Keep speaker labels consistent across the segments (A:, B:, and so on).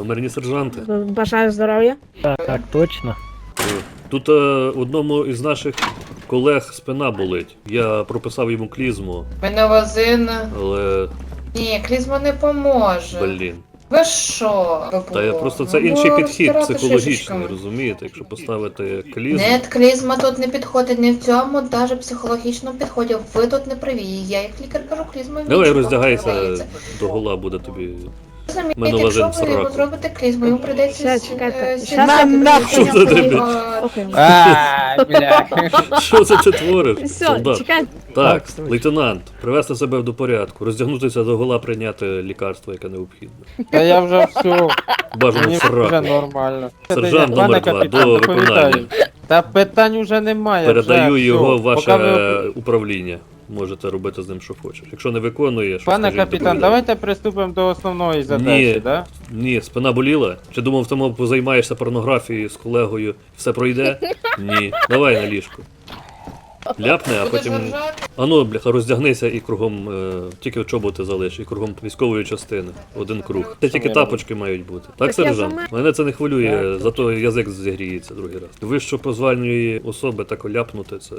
A: Номерні сержанти.
B: Бажаю здоров'я.
C: Так, точно.
A: Тут одному із наших колег спина болить. Я прописав йому клізму,
D: Меновазин.
A: але,
D: Ні, клізма не поможе.
A: блін.
D: Ви що?
A: Та я просто це інший підхід психологічний, розумієте? Якщо поставити клізму...
D: Нет, клізма тут не підходить, не в цьому, навіть психологічному підході. Ви тут не праві. Я як лікар кажу, клізма
A: Давай
D: нічого
A: роздягайся,
D: продається.
A: до гола буде тобі...
D: Розумієте,
A: Меновазин
D: якщо ви
A: сраку.
D: зробите клізму, йому прийдеться...
B: Все, чекайте.
A: Що це тобі?
B: Окей.
C: Бля.
A: Що це ти твориш,
B: Все,
A: солдат?
B: чекайте.
A: Так,
C: Так,
A: лейтенант, привести себе до порядку, роздягнутися до гола, прийняти лікарство, яке необхідне.
C: Та я вже все.
A: Бажано
C: Мені
A: в
C: вже
A: сраку.
C: нормально.
A: Сержант
C: Пане
A: номер 2,
C: капітан,
A: до
C: доповідаю.
A: виконання.
C: Та питань уже немає.
A: Передаю
C: вже,
A: його в
C: все.
A: ваше
C: Поки ви-
A: управління. Можете робити з ним, що хочеш. Якщо не виконуєш,
C: Пане
A: скажіть,
C: капітан,
A: доповідаю.
C: давайте приступимо до основної задачі,
A: Ні.
C: да?
A: Ні, спина боліла? Чи думав, тому позаймаєшся порнографією з колегою, все пройде? Ні. Давай на ліжку. Ляпне, а
D: Будеш
A: потім...
D: ржати?
A: Ану, бляха, роздягнися і кругом, тільки чоботи залиш, і кругом військової частини. Один круг. Це тільки тапочки мають бути. Так,
B: Так я
A: сержант?
B: сама-
A: Мене це не хвилює,
C: Так.
A: зато язик зігріється другий раз. Вищопозвальної особи так ляпнути це...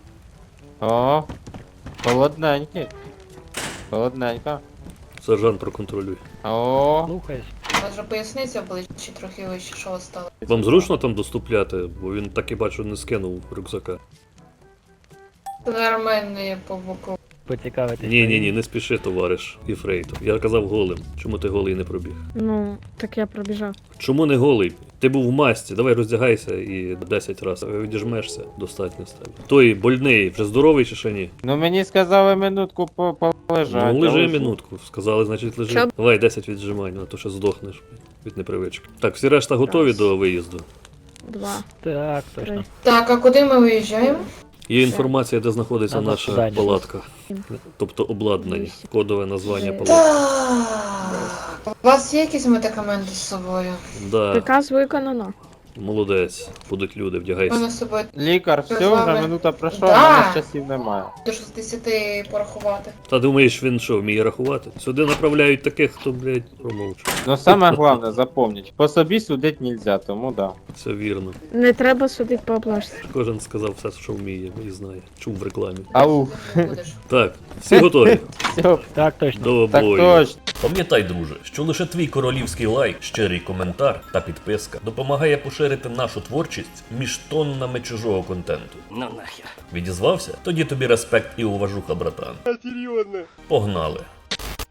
C: О, холодненький. Холодненько.
A: Сержант, проконтролюй.
C: О, слухай.
D: У вас вже поясниця обличчя трохи вище, що стало.
A: Вам зручно там доступляти? Бо він так і бачу не скинув рюкзака.
D: Нормально є по боку.
C: Поцікавитись.
A: Ні, не спіши, товариш Єфрейтор. Я казав голим. Чому ти голий не пробіг?
B: Ну, так я пробіжав.
A: Чому не голий? Ти був в масці, давай роздягайся і 10 разів відіжмешся, достатньо з тебе. Той больний, вже здоровий чи ще ні?
C: Ну мені сказали минутку полежати.
A: Ну лежи
C: але-
A: минутку, сказали, значить лежи.
B: Що?
A: Давай 10 віджимань, а то ще здохнеш від непривички. Так, всі решта готові
B: Раз.
A: до виїзду.
B: 2,
C: Так,
B: 3.
D: Так, а куди ми виїжджаємо?
A: Є інформація, де знаходиться
C: Надо
A: наша
C: подальше.
A: палатка. Тобто обладнання, кодове названня палатки.
D: Так. У вас є якісь медикаменти з собою?
A: Да,
B: Приказ виконано.
A: молодець, будуть люди,
D: У
A: вдягайся.
D: мене з собою
C: Лікар,
D: Що
C: все,
D: з вами?
C: вже минута пройшла,
D: Да.
C: а в мене часів немає.
D: до 60 порахувати.
A: Та думаєш, він що, вміє рахувати? Сюди направляють таких, хто, блядь, промовчу.
C: Ну саме головне, запомніть, по собі судити нельзя, тому да.
A: Все вірно.
B: Не треба судити по облажці.
A: Кожен сказав все, що вміє і знає. Чув в рекламі.
C: Ау,
D: Не будеш.
A: Так, всі готові?
C: все,
E: Так точно.
A: До
C: так
A: бою.
C: точно.
F: Пам'ятай, друже, що лише твій королівський лайк, щирий коментар та підписка допомагає поширити нашу творчість між тоннами чужого контенту.
E: Ну нахер.
F: Відізвався? Тоді тобі респект і уважуха, братан. Погнали!